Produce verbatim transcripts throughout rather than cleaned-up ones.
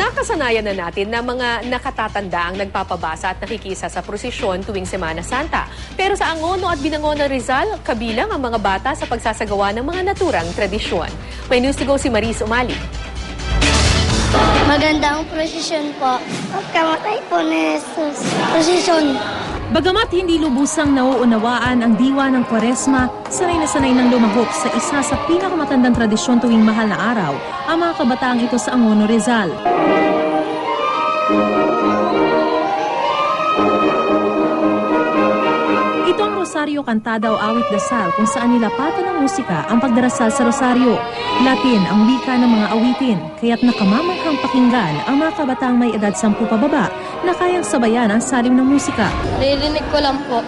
Nakasanayan na natin na mga nakatatanda ang nagpapabasa at nakikisa sa prosesyon tuwing Semana Santa. Pero sa Angono at Binangonan Rizal, kabilang ang mga bata sa pagsasagawa ng mga naturang tradisyon. May news to go si Maris Umali. Magandang prosesyon po. Pagkamatay po ni Jesus. Prosesyon. Bagamat hindi lubusang nauunawaan ang diwa ng Kwaresma, sanay na sanay ng lumahok sa isa sa pinakamatandang tradisyon tuwing mahal na araw, ang mga kabataang ito sa Angono, Rizal. Ito ang Rosario Cantada o Awit Dasal kung saan nilapatan ng musika ang pagdarasal sa Rosario. Latin ang wika ng mga awitin, kaya't nakamamanghang pakinggan ang mga kabataang may edad sampu pababa na kayang sabayan ang salim ng musika. Ririnig ko lang po.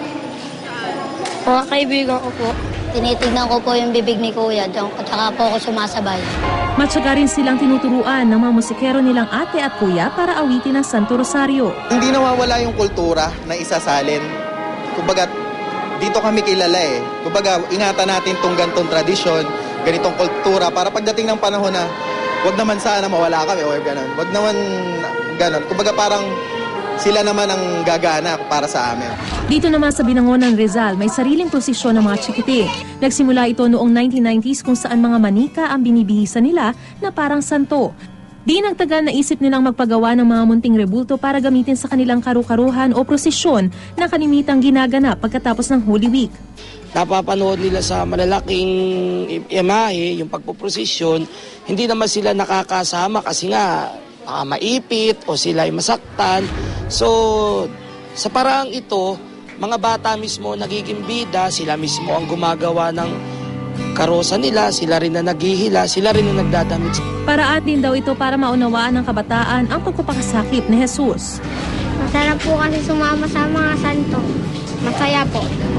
Mga kaibigan ko po. Tinitignan ko po yung bibig ni Kuya at saka po ako sumasabay. Matyaga rin silang tinuturuan ng mga musikero nilang ate at kuya para awitin ang Santo Rosario. Hindi nawawala yung kultura na isasalin. Kumbaga, dito kami kilala eh. Kumbaga, ingatan natin tong gantong tradisyon, ganitong kultura, para pagdating ng panahon na wag naman sana mawala kami or gano'n. Wag naman gano'n. Kumbaga parang sila naman ang gagana para sa amin. Dito naman sa Binangonan, Rizal, may sariling prosesyon ng mga chikiting. Nagsimula ito noong nineteen nineties kung saan mga manika ang binibihisan nila na parang santo. Di nagtagal na isip nilang magpagawa ng mga munting rebulto para gamitin sa kanilang karu-karuhan o prosesyon na kalimitang ginaganap pagkatapos ng Holy Week. Napapanood nila sa malalaking imahe, yung pagpuprosesyon, hindi naman sila nakakasama kasi nga baka maipit o sila ay masaktan. So, sa paraang ito, mga bata mismo nagiging bida, sila mismo ang gumagawa ng karosa nila, sila rin na naghihila, sila rin na nagdadamit. Paraan din daw ito para maunawaan ng kabataan ang pagpapakasakit ni Jesus. Masarap po kasi sumama sa mga santo. Masaya po.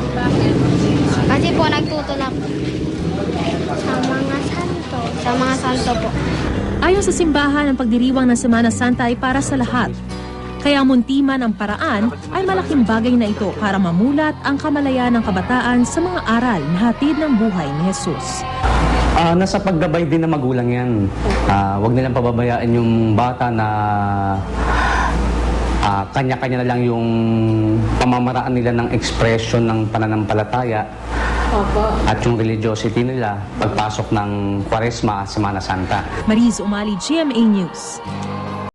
Kasi po nagtutulak sa mga santo. Sa mga santo po. Ayon sa simbahan, ang pagdiriwang ng Semana Santa ay para sa lahat. Kaya muntiman ang paraan ay malaking bagay na ito para mamulat ang kamalayan ng kabataan sa mga aral na hatid ng buhay ni Jesus. Uh, nasa paggabay din ng magulang yan. Uh, huwag nilang pababayaan yung bata na uh, kanya-kanya na lang yung pamamaraan nila ng expression ng pananampalataya. Opo. At yung religiosity nila pagpasok ng Kwaresma at Semana Santa. Maris Umali, G M A News.